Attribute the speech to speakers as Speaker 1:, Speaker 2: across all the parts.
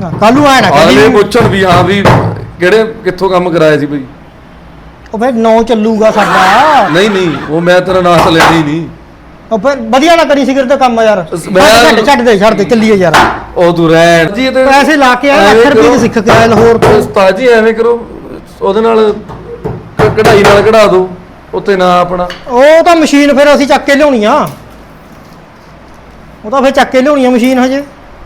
Speaker 1: ਕੱਲ ਨੂੰ ਆਇਆ ਨਾ
Speaker 2: ਅਗਲੇ ਪੁੱਛਣ ਵੀ ਹਾਂ ਵੀ ਕਿਹੜੇ ਕਿੱਥੋਂ ਕੰਮ ਕਰਾਇਆ ਸੀ ਬਈ।
Speaker 1: ਉਹ ਫਿਰ 9 ਚੱਲੂਗਾ ਸਾਡਾ।
Speaker 2: ਨਹੀਂ ਉਹ ਮੈਂ ਤੇਰਾ ਨਾਂ ਤਾਂ ਲੈਣਾ ਹੀ ਨਹੀਂ।
Speaker 1: ਉਹ ਫਿਰ ਵਧੀਆ ਨਾ ਕਰੀ ਸਿਗਰਟ ਦਾ ਕੰਮ ਯਾਰ। ਛੱਡ ਦੇ ਚੱਲੀਏ ਯਾਰ।
Speaker 2: ਉਹ ਤੂੰ ਰਹਿਣ ਜੀ ਤੇ
Speaker 1: ਪੈਸੇ ਲਾ ਕੇ ਆਇਆ, ਲੱਖ ਰੁਪਏ ਦੇ ਸਿੱਖ ਕੇ ਆਇਆ ਲਾਹੌਰ ਤੋਂ।
Speaker 2: ਉਸਤਾਦ ਜੀ ਐਵੇਂ ਕਰੋ, ਉਹਦੇ ਨਾਲ ਕਢਾਈ ਨਾਲ ਕਢਾ ਦੋ ਉੱਤੇ ਨਾ ਆਪਣਾ।
Speaker 1: ਉਹ ਤਾਂ ਮਸ਼ੀਨ ਫਿਰ ਅਸੀਂ ਚੱਕ ਕੇ ਲਿਆਉਣੀ ਆ। ਉਹ ਤਾਂ ਫਿਰ ਚੱਕ ਕੇ ਲਿਆਉਣੀ ਆ ਮਸ਼ੀਨ ਹਜੇ।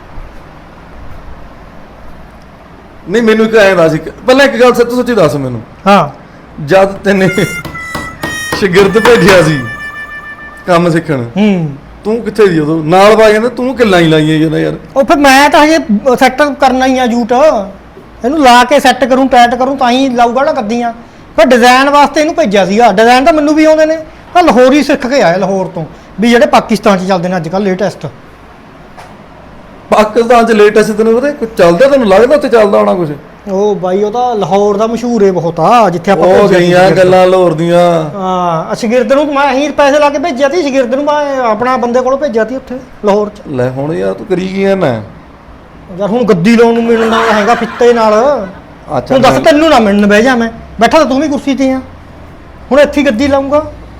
Speaker 2: ਨਹੀਂ ਮੈਨੂੰ ਇੱਕ ਐਂ ਦੱਸ, ਪਹਿਲਾਂ ਇੱਕ ਗੱਲ ਸੱਚ ਸੱਚੀ ਦੱਸ ਮੈਨੂੰ।
Speaker 1: ਹਾਂ,
Speaker 2: ਜਦ ਤੈਨੇ ਸ਼ਾਗਿਰਦ ਭੇਜਿਆ ਸੀ ਕੰਮ ਸਿੱਖਣ, ਤੂੰ ਕਿੱਥੇ ਸੀ ਉਦੋਂ? ਨਾਲ ਪਾ ਜਾਂਦਾ ਤੂੰ ਕਿੱਲਾਂ ਹੀ ਲਾਈਆਂ ਜਾਂਦਾ ਯਾਰ।
Speaker 1: ਉਹ ਫਿਰ ਮੈਂ ਤਾਂ ਹਜੇ ਸੈੱਟ ਕਰਨਾ ਹੀ ਆ ਜੂਟ। ਇਹਨੂੰ ਲਾ ਕੇ ਸੈੱਟ ਕਰੂੰ, ਟਾਈਟ ਕਰੂੰ ਤਾਂ ਹੀ ਲਾਊਗਾ ਨਾ ਕੱਦੀਆਂ। ਫਿਰ ਡਿਜ਼ਾਈਨ ਵਾਸਤੇ ਇਹਨੂੰ ਭੇਜਿਆ ਸੀਗਾ। ਡਿਜ਼ਾਈਨ ਤਾਂ ਮੈਨੂੰ ਵੀ ਆਉਂਦੇ ਨੇ, ਤਾਂ ਲਾਹੌਰ ਹੀ ਸਿੱਖ ਕੇ ਆਇਆ, ਲਾਹੌਰ ਤੋਂ। ਵੀ ਜਿਹੜੇ ਪਾਕਿਸਤਾਨ 'ਚ ਚੱਲਦੇ ਨੇ ਅੱਜ ਕੱਲ੍ਹ ਲੇਟੈਸਟ।
Speaker 2: ਪਾਕਿਸਤਾਨ 'ਚ ਲੇਟੈਸਟ ਤੈਨੂੰ ਪਤਾ ਕੁਝ ਚੱਲਦਾ? ਤੈਨੂੰ ਲੱਗਦਾ ਉੱਥੇ ਚੱਲਦਾ ਹੋਣਾ ਕੁਝ?
Speaker 1: ਉਹ ਬਾਈ ਉਹ ਤਾਂ ਲਾਹੌਰ ਦਾ ਮਸ਼ਹੂਰ ਹੈ ਬਹੁਤ ਆ, ਜਿੱਥੇ ਆਪਾਂ
Speaker 2: ਉਹ ਗਈਆਂ ਗੱਲਾਂ ਲਾਹੌਰ ਦੀਆਂ।
Speaker 1: ਹਾਂ, ਸ਼ਾਗਿਰਦ ਨੂੰ ਮੈਂ ਹੀ ਪੈਸੇ ਲਾ ਕੇ ਭੇਜਿਆ ਸੀ। ਸ਼ਾਗਿਰਦ ਨੂੰ ਮੈਂ ਆਪਣਾ ਬੰਦੇ ਕੋਲੋਂ ਭੇਜਿਆ ਸੀ ਉੱਥੇ ਲਾਹੌਰ 'ਚ।
Speaker 2: ਲੈ ਹੁਣ ਯਾਰ ਤੂੰ ਕਰੀ ਕੀ ਨਾ
Speaker 1: ਯਾਰ ਹੁਣ ਗੱਦੀ ਲਾਉਣ ਨੂੰ ਮਿਲਣਾ ਹੈਗਾ ਫਿੱਤੇ ਨਾਲ।
Speaker 2: ਅੱਛਾ
Speaker 1: ਹੁਣ ਦੱਸ, ਤੈਨੂੰ ਨਾ ਮਿਲਣ ਬਹਿ ਜਾ, ਮੈਂ ਬੈਠਾ ਤਾਂ ਤੂੰ ਵੀ ਕੁਰਸੀ ਤੇ ਆ। ਹੁਣ ਇੱਥੇ ਗੱਦੀ ਲਾਉਂਗਾ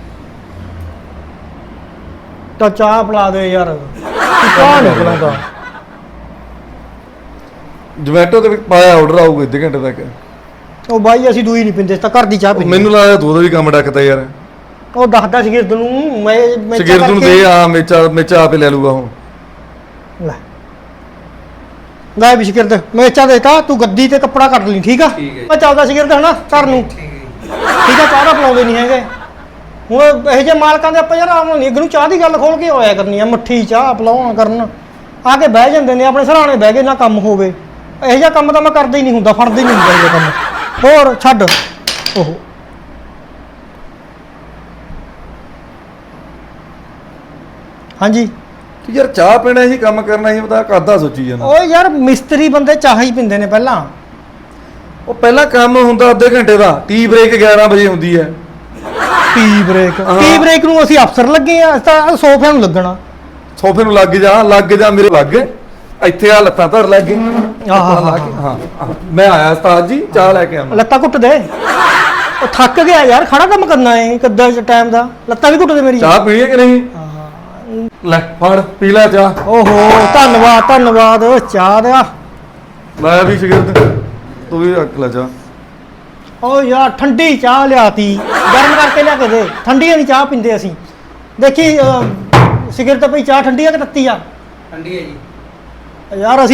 Speaker 1: ਤਾਂ ਚਾਹ ਪਿਲਾ ਦੇ ਯਾਰ। ਚਾਹ ਨਹੀਂ ਪਿਲਾਉਂਦਾ।
Speaker 2: ਜੋਮੈਟੋ ਤੇ ਪਾਇਆ ਆਰਡਰ ਆਊਗਾ ਅੱਧੇ ਘੰਟੇ ਤੱਕ।
Speaker 1: ਉਹ ਬਾਈ ਅਸੀਂ ਦੂਈ ਨਹੀਂ ਪਿੰਦੇ, ਤਾਂ ਘਰ ਦੀ ਚਾਹ ਪੀਂਦੇ।
Speaker 2: ਮੈਨੂੰ ਲੱਗਦਾ ਤੂੰ ਉਹਦਾ ਵੀ ਕੰਮ ਡੱਕਦਾ ਯਾਰ।
Speaker 1: ਉਹ ਦੱਸਦਾ ਸ਼ਾਗਿਰਦ ਨੂੰ, ਮੈਂ
Speaker 2: ਸ਼ਾਗਿਰਦ ਨੂੰ ਦੇ ਆ ਮੇਚਾ ਆਪੇ ਲੈ ਲੂਗਾ ਹੁਣ।
Speaker 1: ਲੈ ਵੀ ਸ਼ਾਗਿਰਦ ਮੇਚਾ ਦੇਤਾ, ਤੂੰ ਗੱਦੀ ਤੇ ਕੱਪੜਾ ਕੱਢ ਲਈ। ਠੀਕ ਆ, ਮੈਂ ਚੱਲਦਾ ਸ਼ਾਗਿਰਦ ਹਨਾ ਘਰ ਨੂੰ। ਠੀਕ ਆ, ਚਾਹ ਦਾ ਪਿਲਾਉਂਦੇ ਨਹੀਂ ਹੈਗੇ ਹੁਣ ਇਹੋ ਜਿਹੇ ਮਾਲਕਾਂ ਦੇ। ਆਪਾਂ ਯਾਰ ਆਉਣਾ ਨਹੀਂ, ਅੱਗੇ ਨੂੰ ਚਾਹ ਦੀ ਗੱਲ ਖੋਲ ਕੇ ਹੋਇਆ ਕਰਨੀ ਆ। ਮੱਠੀ ਚਾਹ ਪਿਲਾਉਣਾ ਕਰਨ ਆ ਕੇ ਬਹਿ ਜਾਂਦੇ ਨੇ ਆਪਣੇ ਸਰਾਣੇ, ਬਹਿ ਕੇ ਨਾ ਕੰਮ ਹੋਵੇ। ਇਹੋ ਜਿਹਾ ਕੰਮ ਤਾਂ ਮੈਂ ਕਰਦਾ ਹੀ ਨਹੀਂ ਹੁੰਦਾ, ਫੜਦਾ ਹੀ ਨਹੀਂ ਹੁੰਦਾ ਇਹ ਕੰਮ। ਹੋਰ ਛੱਡ ਉਹ। ਹਾਂਜੀ
Speaker 2: ਤੂੰ ਯਾਰ ਚਾਹ ਪੀਣਾ ਸੀ, ਕੰਮ ਕਰਨਾ ਸੀ, ਪਤਾ ਕਰਦਾ ਸੋਚੀ ਜਾਂਦਾ।
Speaker 1: ਉਹ ਯਾਰ ਮਿਸਤਰੀ ਬੰਦੇ ਚਾਹ ਹੀ ਪੀਂਦੇ ਨੇ ਪਹਿਲਾਂ।
Speaker 2: ਉਹ ਪਹਿਲਾਂ ਕੰਮ ਹੁੰਦਾ ਅੱਧੇ ਘੰਟੇ ਦਾ, ਟੀ ਬ੍ਰੇਕ 11 ਵਜੇ ਹੁੰਦੀ ਹੈ।
Speaker 1: ਟੀ ਬ੍ਰੇਕ ਨੂੰ ਅਸੀਂ ਅਫਸਰ ਲੱਗੇ ਆ, ਤਾਂ ਸੋਫਿਆਂ ਨੂੰ ਲੱਗਣਾ।
Speaker 2: ਸੋਫੇ ਨੂੰ ਲੱਗ ਜਾ ਮੇਰੇ ਲੱਗ ਇੱਥੇ ਆ ਲੱਤਾਂ ਧਰ ਲੱਗ ਗਏ। ਹਾਂ ਮੈਂ ਆਇਆ ਉਸਤਾਦ ਜੀ, ਚਾਹ ਲੈ ਕੇ ਆਵਾਂ।
Speaker 1: ਲੱਤਾਂ ਘੁੱਟ ਦੇ। ਉਹ ਥੱਕ ਗਿਆ ਯਾਰ, ਖੜਾ ਕੰਮ ਕਰਨਾ ਹੈ ਕਿੱਦਾਂ ਟਾਈਮ ਦਾ। ਲੱਤਾਂ ਵੀ ਘੁੱਟ ਦੇ ਮੇਰੀ।
Speaker 2: ਚਾਹ ਪੀਣੀ ਹੈ ਕਿ ਨਹੀਂ? ਲੈ ਫੜ ਪੀ ਲੈ ਚਾਹ।
Speaker 1: ਓਹੋ ਧੰਨਵਾਦ ਚਾਹ ਦਾ।
Speaker 2: ਮੈਂ ਵੀ ਸ਼ਾਗਿਰਦ, ਤੂੰ ਵੀ ਰੱਖ ਲੈ ਚਾਹ।
Speaker 1: ਓ ਯਾਰ ਠੰਡੀ ਚਾਹ ਲਿਆਤੀ, ਗਰਮ ਕਰਕੇ ਲਿਆ ਕੇ ਦੇ। ਠੰਡੀ ਨਹੀਂ ਚਾਹ ਪੀਂਦੇ ਅਸੀਂ। ਦੇਖੀ ਸ਼ਾਗਿਰਦ ਪਈ ਚਾਹ ਠੰਡੀ ਆ ਕਿ ਤੱਤੀ ਆ?
Speaker 3: ਠੰਡੀ ਹੈ ਜੀ।
Speaker 1: ਯਾਰ ਅਸੀਂ